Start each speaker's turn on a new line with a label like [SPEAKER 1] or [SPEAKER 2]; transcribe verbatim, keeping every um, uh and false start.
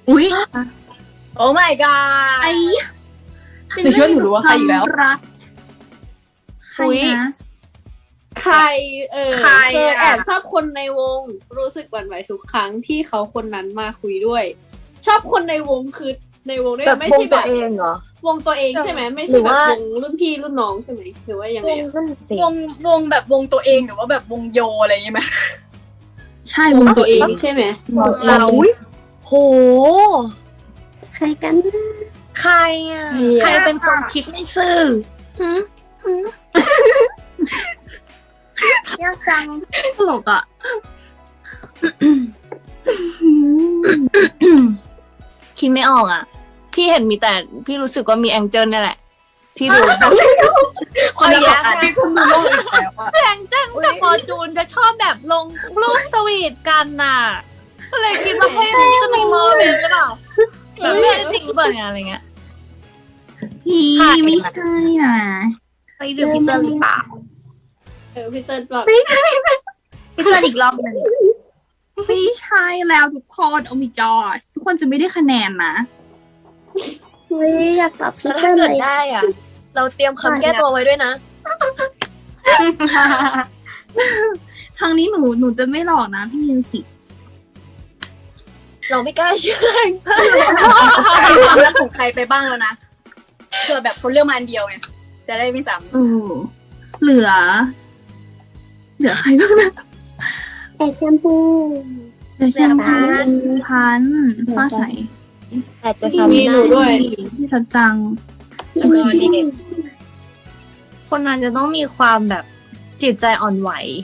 [SPEAKER 1] อุ๊ย
[SPEAKER 2] โอ้ my god
[SPEAKER 1] ไอเป็นเรื่องเกี่ยวกับความรักใครนะ
[SPEAKER 3] ใครเออ
[SPEAKER 2] ใคร
[SPEAKER 3] เคย
[SPEAKER 2] อะ
[SPEAKER 3] แอบชอบคนในวงรู้สึกหวั่นไหวทุกครั้งที่เขาคนนั้นมาคุยด้วย ชอบคนในวงคือในวงด้วย
[SPEAKER 4] แบบ
[SPEAKER 3] ไม่
[SPEAKER 4] วง
[SPEAKER 3] ใช่แบ
[SPEAKER 4] ตัว
[SPEAKER 3] บ
[SPEAKER 4] เองเหรอ
[SPEAKER 3] วงตัวเองใช่ไหมไม่
[SPEAKER 4] หรื
[SPEAKER 3] ใช่
[SPEAKER 4] อ
[SPEAKER 3] แบบ
[SPEAKER 4] ว่า
[SPEAKER 3] วงรุ่นพี่รุ่นน้องใช่ไหมหรือว่ายัง
[SPEAKER 4] ว
[SPEAKER 3] ไง
[SPEAKER 4] ง
[SPEAKER 3] อะ
[SPEAKER 4] นั่นสิ
[SPEAKER 2] วงวงแบบวงตัวเองหรือว่าแบบวงโยอะไรอย่างงี้ไหม
[SPEAKER 1] ใช่วงตัวเอง
[SPEAKER 3] ใช่ไหม
[SPEAKER 4] เรา
[SPEAKER 1] อุ๊ย
[SPEAKER 4] โห
[SPEAKER 5] ใครกันนะ
[SPEAKER 4] ใครอ่ะ ใครเป็นคนคิดไม่ซื่อ
[SPEAKER 5] ยากจัง
[SPEAKER 1] ตลกอ่ะ
[SPEAKER 4] คิดไม่ออกอ่ะ พี่เห็นมีแต่พี่รู้สึกว่ามีแองเจิลนี่แหละ ที่ดู
[SPEAKER 2] คนละ
[SPEAKER 4] แย
[SPEAKER 2] แบบ
[SPEAKER 4] กคุณดูโลกอีกแล้วอะแองเจิลกับฟอร์จูนจะชอบแบบลงรูปสวีทกันน่ะ ก็เลยคิดว่าเฮ้ยมันจะมีโมเมนต์หรือเปล่าแบบเรื่องจริงเปล่าเนี่ยอะไรเงี้ย
[SPEAKER 1] พี่ไม่ใช่นะ
[SPEAKER 4] ไปดูพี่เจอหรือเปล่า
[SPEAKER 3] เออพี่เติ้ลแบบ
[SPEAKER 1] ไม่ใช่
[SPEAKER 4] พี่เจออีกรอบหนึ่ง
[SPEAKER 1] ไม่ใช่แล้วทุกคนโอมิจอสทุกคนจะไม่ได้คะแนนนะ
[SPEAKER 5] เฮ้ยอยากตอบพี่
[SPEAKER 4] แล้ว
[SPEAKER 5] เติ้
[SPEAKER 4] ถ้า
[SPEAKER 5] ล
[SPEAKER 4] เกิด
[SPEAKER 5] เลย
[SPEAKER 4] ได้อ่ะ เราเตรียมคำแก้ตัวไว้ด้วยนะ
[SPEAKER 1] ทางนี้หนูหนูจะไม่หลอกนะพี่มิวสิก
[SPEAKER 4] เราไม่กล้าเชื่อ
[SPEAKER 2] ความรักของใครไปบ้างแล้วนะเผื่อแบบคนเลือกมาอันเดียวไงจะได้ไม่ซ้
[SPEAKER 1] เออเหลือ เหลือใครบ้างนะ
[SPEAKER 5] ไอแชมพู
[SPEAKER 1] เหลือแชมพูพันธุ์ฟ้าใส
[SPEAKER 4] อาจจะ
[SPEAKER 1] พี่
[SPEAKER 4] ซ้ำ
[SPEAKER 3] มีหนูด้วย
[SPEAKER 1] พี่สัจจัง
[SPEAKER 2] ำแล้วก็นี่
[SPEAKER 4] คนนั้นจะต้องมีความแบบจิตใจอ่อนไหว